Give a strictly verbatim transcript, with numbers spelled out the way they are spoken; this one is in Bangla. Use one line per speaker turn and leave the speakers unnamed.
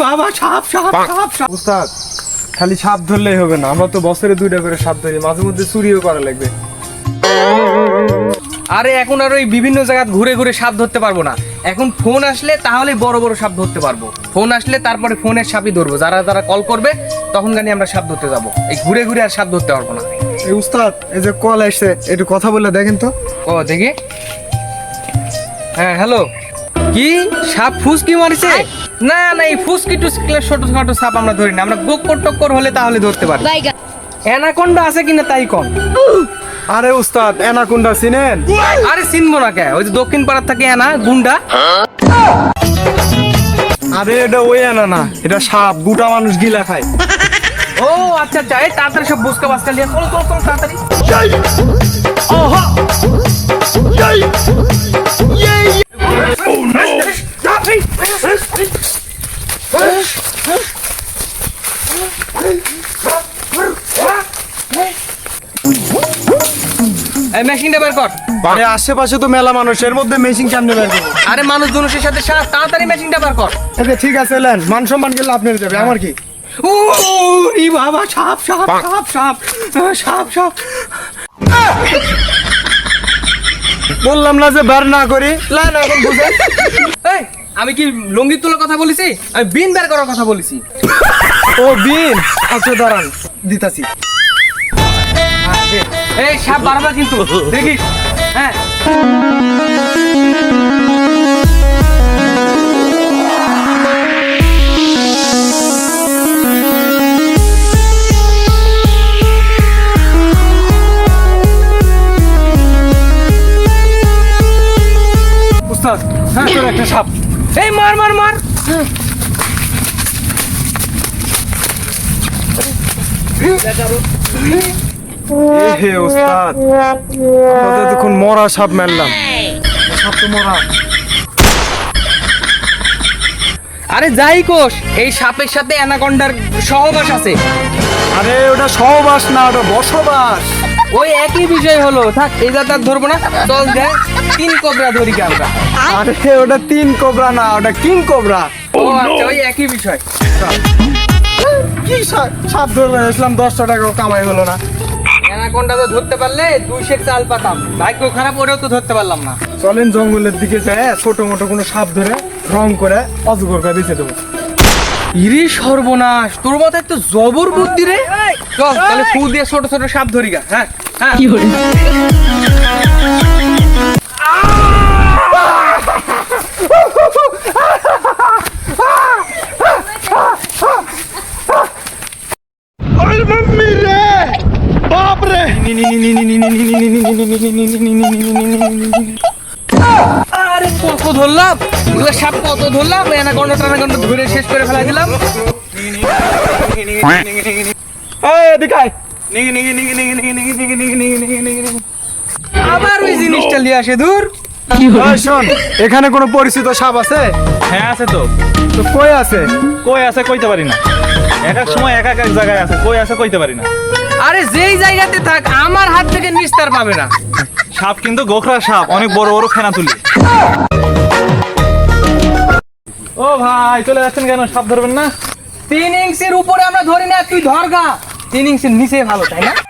বাবা সাপ সাপ সাপ সাপ। উস্তাদ খালি সাপ ধরলেই হবে না, আমরা তো বছরে দুইটা করে সাপ ধরি, মাঝে মধ্যে চুরিও করা লাগবে।
আরে এখন আর ওই বিভিন্ন জায়গা ঘুরে ঘুরে সাপ ধরতে পারবো না, এখন ফোন আসলে তাহলে বড় বড় সাপ ধরতে পারবো। ফোন আসলে তারপরে ফোনের সাপই ধরবো, যারা যারা কল করবে তখন গানি আমরা সাপ ধরতে যাবো। এই ঘুরে ঘুরে আর সাপ ধরতে পারবো না।
এই উস্তাদ এই যে কল আসছে, একটু কথা বলে দেখেন তো।
ও দেখি। হ্যাঁ হ্যালো, কি সাপ ফুসকি মারিছে? না না, এই ফুসকি টুসকি ছোট ছোট সাপ আমরা ধরি না, আমরা গোক্কর টক্কর হলে তাহলে ধরতে পারি। অ্যানাকোন্ডা আছে কিনা তাই কম।
আরে উস্তাদ অ্যানাকোন্ডা চিনেন?
আরে চিনবো না কে, ওই যে দক্ষিণ পাড়ার থাকে অ্যানা গুন্ডা।
আরে এটা ওই অ্যানা না, এটা সাপ, গোটা মানুষ গিলা খায়।
ও আচ্ছা আচ্ছা, এই তাড়াতাড়ি সব বুসকা বাসকা নিয়ে চলো চলো চলো তাড়াতাড়ি। এই মেশিনটা বের কর।
আরে আশেপাশে তো মেলা মানুষ, এর মধ্যে মেশিন কেমনে বের করবো?
আরে মানুষ জনুষের সাথে সাপ, তাড়াতাড়ি মেশিনটা বের কর।
আচ্ছা ঠিক আছে, এলেন মান সম্মান গেলে আপনার যাবে, আমার কি?
ও ই বাবা সাপ সাপ সাপ সাপ সাপ সাপ।
বললাম না যে বের না করি। লাইন এখন বুঝে।
এই আমি কি লঙ্গি তোলার কথা বলেছি? আমি বিন বের করার কথা বলেছি।
ও বিন, আচ্ছা দাঁড়ান দিতাছি।
এই সাপ বারবার কিন্তু দেখিস। হ্যাঁ
উস্তাদ হ্যাঁ তোর একটা সাপ।
এই মার মার মার।
হে উস্তাদ, আমরা তো এখন মরা সাপ মারলাম। সাপ তো মরা।
আরে যাই কোষ, এই সাপের সাথে অ্যানাকন্ডার সহবাস আছে।
আরে ওটা সহবাস না, ওটা বসবাস।
ওই একই বিষয় হলো, থাক এই যাত্রা ধরবো না, চল দেখ তিন কোবরা ধরি কি আমরা।
আরে ওটা তিন কোবরা না, ওটা কিং কোবরা।
ও আচ্ছা, ওই একই বিষয়।
কি সাপ সাপ ধরবে আসলাম, দশটা টাকা কামাই হলো না।
অ্যানাকন্ডা তো ধরতে পারলে দুই সের চাল পাতাম, ভাগ্য খারাপ ওরেও তো ধরতে পারলাম না।
চলেন জঙ্গলের দিকে যায়, ছোট মোটো কোনো সাপ ধরে রং করে অজগর করে বেঁচে দেবো।
ইরে সর্বনাশ, তোর মাথায় তো জবর বুদ্ধি রে। চল তাহলে ফু দিয়ে ছোট ছোট সাপ ধরি গা। হ্যাঁ হ্যাঁ কি হলো? আরে কত ধরলাম, এগুলো সাপ কত ধরলাম, অ্যানাকন্ডা ট্যানাকন্ডা ধরে শেষ করে ফেলা দিলাম। আবার ওই জিনিসটা নিয়ে আসে দূর।
শোন, এখানে কোনো পরিচিত সাপ আছে?
হ্যাঁ আছে তো।
তো কই আছে?
কই আছে কইতে পারি না, এক এক সময় এক এক এক জায়গায় আছে, কই আছে কইতে পারি না।
আরে যেই জায়গাতে থাক আমার হাত থেকে নিস্তার পাবে না।
সাপ কিন্তু গোখরা সাপ, অনেক বড় বড় ফেনা তুলি। ও ভাই চলে যাচ্ছেন কেন, সাপ ধরবেন না?
তিন ইঞ্চির উপরে আমরা ধরি না, তুই ধরগা। তিন ইঞ্চির নিচে ভালো, তাই না?